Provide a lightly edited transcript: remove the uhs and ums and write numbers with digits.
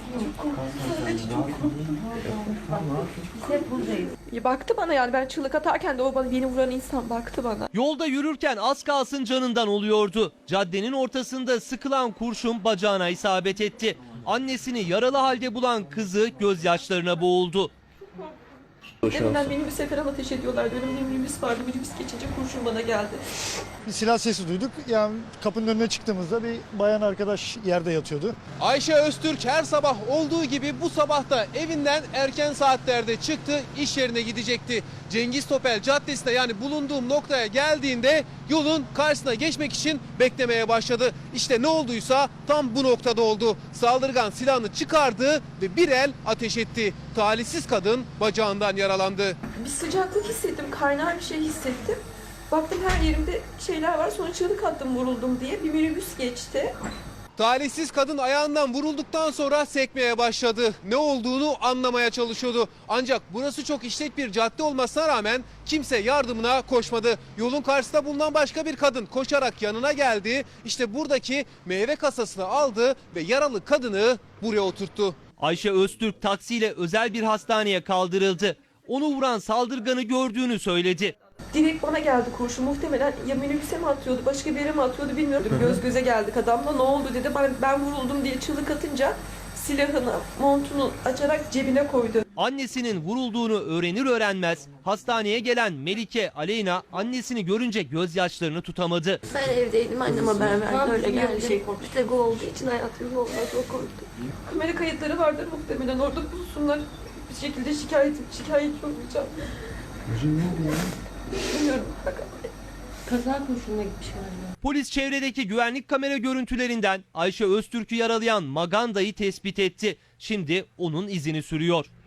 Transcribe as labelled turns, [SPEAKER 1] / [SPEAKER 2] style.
[SPEAKER 1] Hep buradayız.
[SPEAKER 2] Baktı bana, yani ben çığlık atarken de o beni vuran insan baktı bana.
[SPEAKER 3] Yolda yürürken az kalsın canından oluyordu. Caddenin ortasında sıkılan kurşun bacağına isabet etti. Annesini yaralı halde bulan kızı gözyaşlarına boğuldu.
[SPEAKER 2] Deminden minibüse falan ateş ediyorlardı. Önümde minibüs vardı. Minibüs geçince kurşun bana geldi.
[SPEAKER 4] Bir silah sesi duyduk. Yani kapının önüne çıktığımızda bir bayan arkadaş yerde yatıyordu.
[SPEAKER 5] Ayşe Öztürk her sabah olduğu gibi bu sabah da evinden erken saatlerde çıktı, iş yerine gidecekti. Cengiz Topel Caddesi'ne, yani bulunduğum noktaya geldiğinde yolun karşısına geçmek için beklemeye başladı. İşte ne olduysa tam bu noktada oldu. Saldırgan silahını çıkardı ve bir el ateş etti. Talihsiz kadın bacağından yaralandı.
[SPEAKER 2] Bir sıcaklık hissettim. Kaynar bir şey hissettim. Baktım her yerimde şeyler var. Sonra çığlık attım vuruldum diye. Bir minibüs geçti.
[SPEAKER 5] Talihsiz kadın ayağından vurulduktan sonra sekmeye başladı. Ne olduğunu anlamaya çalışıyordu. Ancak burası çok işlek bir cadde olmasına rağmen kimse yardımına koşmadı. Yolun karşısında bulunan başka bir kadın koşarak yanına geldi. İşte buradaki meyve kasasını aldı ve yaralı kadını buraya oturttu.
[SPEAKER 3] Ayşe Öztürk taksiyle özel bir hastaneye kaldırıldı. Onu vuran saldırganı gördüğünü söyledi.
[SPEAKER 2] Direkt bana geldi kurşun. Muhtemelen ya minibüse mi atıyordu, başka bir yere mi atıyordu bilmiyorum. Göz göze geldik adamla. Ne oldu dedi. Ben vuruldum diye çığlık atınca silahını, montunu açarak cebine koydu.
[SPEAKER 3] Annesinin vurulduğunu öğrenir öğrenmez hastaneye gelen Melike Aleyna annesini görünce gözyaşlarını tutamadı.
[SPEAKER 6] Ben evdeydim, annem haber verdi, öyle geldi. İşte bu olduğu için hayatım olmaz, o korktu.
[SPEAKER 2] Kamera kayıtları vardır muhtemelen, orada bulsunlar. Bir şekilde şikayetçi olacağım. Bilmiyorum.
[SPEAKER 1] Kaza kurşununa gitmiş galiba.
[SPEAKER 3] Polis çevredeki güvenlik kamera görüntülerinden Ayşe Öztürk'ü yaralayan Maganda'yı tespit etti. Şimdi onun izini sürüyor.